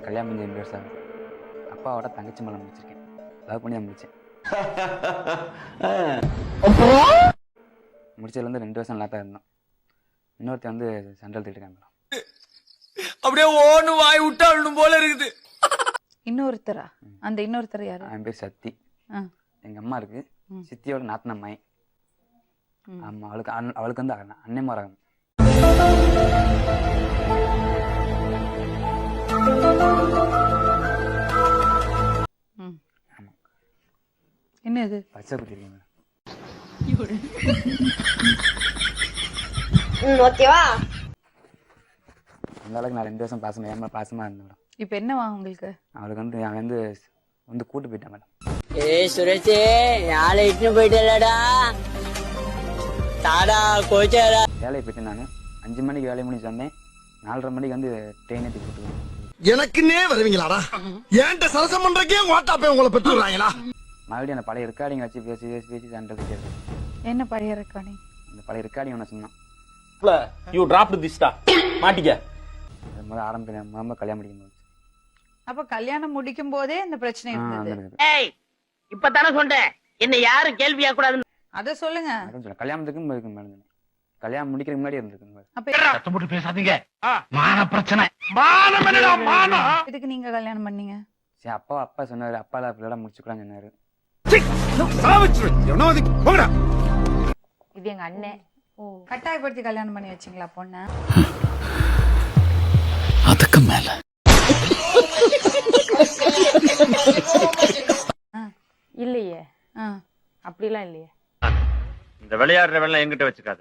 கல்யாணம் பண்ணி 2 வருஷம் ஆகுது. அப்பாவோட தங்கச்சி மேலே முடிச்சிருக்கேன். லவ் பண்ணி தான் முடித்தேன். முடிச்சதுலேருந்து 2 வருஷம் நல்லா தான் இருந்தோம். இன்னொருத்தர் வந்து சென்ட்ரல் திட்டுருக்காங்க. அப்படியே ஓன்னு வாய் விட்டாலும் போல இருக்குது. இன்னொருத்தரா? அந்த இன்னொருத்தர் யாரு? என் பேர் சக்தி. எங்கள் அம்மா இருக்கு, சித்தியோட நாத்தனம்மாய். ஆமாம், அவளுக்கு வந்து அண்ணன் மரம். என்ன இது? பச்சை குத்திருக்கீங்க. ஓகேவா? அந்த அளவுக்கு நான் 2 வருஷம் பாசமா இருந்தேன் மேடம். இப்போ என்னவா உங்களுக்கு? அவளுக்கு வந்து அவன் வந்து கூட்டு போயிட்டேன் மேடம். ஏய் சுரேஷே, யாரை இட்டுன்னு போயிட்டலடா தாடா கோச்சாடா. வேலையை போயிட்டேன். நான் 5 மணிக்கு வேலையை முடிச்சு வந்தேன். 4:30 மணிக்கு வந்து ட்ரெயின் ஏற்றி கூப்பிட்டு எனக்குன்னே வருவீங்களாடா? ஏன்ட்ட சரசம் பண்றக்கே வாட்டாப்பே உங்களை பெற்றுறாங்களா? மறுபடியும் அந்த பழைய ரெக்கார்டிங் வச்சு பேசி சென்ட்ரல் திட்டு. என்ன பழைய ரெக்கார்டிங்? அந்த பழைய ரெக்கார்டிங் ஒன்று சொன்னான். யூ டிராப்ட் திஸ்டா மாட்டிக்க. முதல்ல ஆரம்பிக்கிறேன் கல்யாணம் முடிக்கும் போது. அப்ப கல்யாணம் முடிக்கும் போதே இந்த பிரச்சனை இருந்தது. ஏய் இப்பதானே சொன்னேன், என்ன யாரும் கேள்வியா கூடாது. அத சொல்லுங்க. கல்யாணத்துக்கும் மேடம், கல்யாணம் முடிக்கிறதுக்கு முன்னாடி இருந்திருக்கு. சத்தம் பேசாதீங்க, மான பிரச்சனை. மானம் என்னடா மானம்? இதுக்கு நீங்க கல்யாணம் பண்ணீங்க? சரி, அப்பா சொன்னாரு, அப்பால அப்படிலாம் முடிச்சுக்கலாம்னு சொன்னாரு. இது எங்க அண்ணன். கட்டாயப்படுத்தி கல்யாணம் பண்ணி வச்சீங்களா பொண்ண? அதுக்கு மேல இல்லையே, அப்படிலாம் இல்லையே. இந்த விளையாடுற வேலை என்கிட்ட வச்சுக்காத.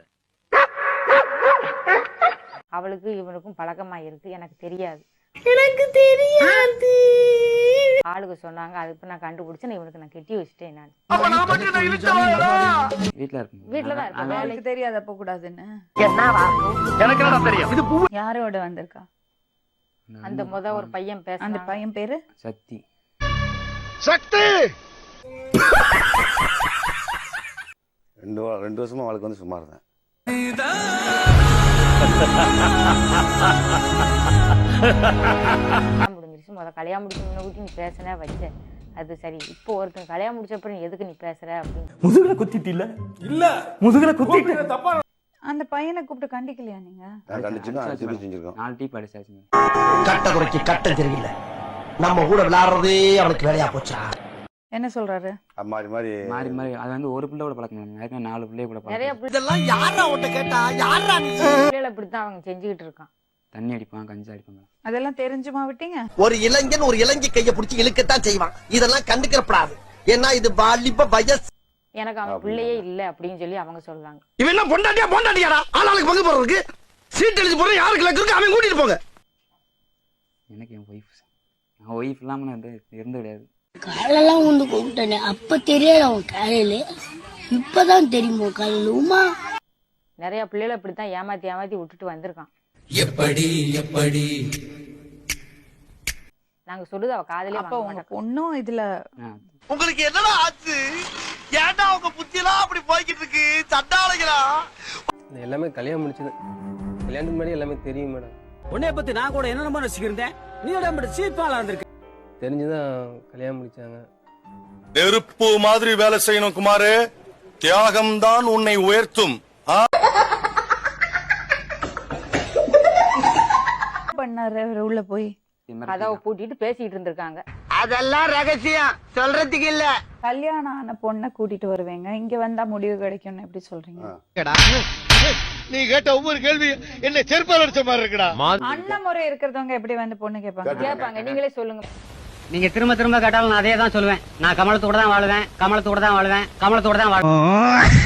அவளுக்கு இவனுக்கும் பழக்கமா இருக்கு, எனக்கு தெரியாது. ஆளுக்கு சொன்னாங்க, அதுக்கு நான் கண்டுபிடிச்சேன். இவனுக்கு நான் கெட்டி வச்சுட்டேன். நான் வீட்டுலதான் இருக்கேன். வேலைக்கு தெரியாது அப்ப கூடாதுன்னு. எனக்கு என்ன தெரியும்? யாரோட வந்திருக்கா? அந்த ஒரு பையன் பேச. அந்த பையன் பேரு சக்தி. சக்தி 2 வருஷமா அவளுக்கு வந்து சும்மா இருந்தேன். முடிஞ்சிருச்சு. கல்யாணம் முடிச்சு நீ பேசுன வச்ச, அது சரி. இப்போ ஒருத்தன் கல்யாணம் முடிச்சப்ப நீ எதுக்கு நீ பேசுற அப்படின்னு முதுகுல குத்திட்டு இல்ல முதுகுல குத்திட்டு தப்பா. அந்த பையனை கூப்பிட்டு கண்டிக்கலையா நீங்க? செஞ்சிருக்கோம். 4 டீ படிச்சாச்சு. கட்ட குறைக்கு கட்ட தெரியல. நம்ம கூட விளையாடுறதே அவனுக்கு வேலையா போச்சா? என்ன சொல்றாரு? மாறி மாறி அது வந்து ஒரு பிள்ளை கூட பழக்கம். 4 பிள்ளைய கூட நிறைய பழக்கம். இதெல்லாம் யாரா உன்கிட்ட கேட்டா? யாரா நீ? பிள்ளைகளை அப்படித்தான் அவங்க செஞ்சுக்கிட்டு இருக்கான். தண்ணி அடிப்பான், கஞ்சா அடிப்பாங்க. அதெல்லாம் தெரிஞ்சுமா விட்டீங்க? ஒரு இளைஞன் ஒரு இளைஞ கைய பிடிச்சி இழுக்கத்தான் செய்வான். இதெல்லாம் கண்டுக்கிறப்படாது. ஏன்னா இது வாலிப வயசு. எனக்கு அவன் பிள்ளையே இல்ல அப்படின்னு சொல்லி அவங்க சொல்றாங்க. இவன் என்ன பொண்டாட்டியாடா? ஆளாளுக்கு பங்கு போறதுக்கு சீட் எழுதி போற யாருக்கு லக்கு இருக்கு அவன் கூட்டிட்டு போங்க. எனக்கு என் நான் ஒய்ஃப் இல்லாம இருந்து கிடையாது. காலெல்லாம் வந்து கூப்பிட்டேனே, அப்ப தெரியாது அவன் காலையில. இப்பதான் தெரியுமோ காலையிலுமா. நிறைய பிள்ளைகளை இப்படித்தான் ஏமாத்தி விட்டுட்டு வந்திருக்கான். எப்படி நாங்க சொல்லுது அவ காதலே. அப்ப உங்க பொண்ணும் இதுல உங்களுக்கு என்னடா ஆச்சு? ஏன்டா உங்க புத்தி எல்லாம் அப்படி போய்கிட்டு இருக்கு? சண்டாளைகளா? எல்லாமே கல்யாணம் முடிச்சது. கல்யாணத்துக்கு முன்னாடி எல்லாமே தெரியும் மேடம். உன்னைய பத்தி நான் கூட என்ன ரசிக்கிறேன். நீ சீப்பாளா இருந்திருக்க. தெரிஞ்சுதான் கல்யாணம் முடிச்சாங்க. நெருப்பு மாதிரி வேலை செய்யணும் குமாரு. தியாகம் தான் உன்னை உயர்த்தும். பண்ணாரு உள்ள போய் கதவை பூட்டிட்டு பேசிட்டு இருந்திருக்காங்க. அதெல்லாம் ரகசியம், சொல்றதுக்கு இல்ல. கல்யாணம் ஆன பொண்ணை கூட்டிட்டு வருவேங்க, இங்க வந்தா முடிவு கிடைக்கும்னு எப்படி சொல்றீங்க? நீ கேட்ட ஒவ்வொரு கேள்வி என்ன செருப்பால் அடிச்ச மாதிரி இருக்குடா. அண்ணன் முறை இருக்கிறவங்க எப்படி வந்து பொண்ணு கேட்பாங்க? நீங்களே சொல்லுங்க. நீங்க திரும்ப கேட்டாலும் நான் அதே தான் சொல்லுவேன். நான் கமலத்தோட தான் வாழ்வேன், கமலத்தோட தான் வாழ்வேன், கமலத்தோட தான் வாழ்வேன்.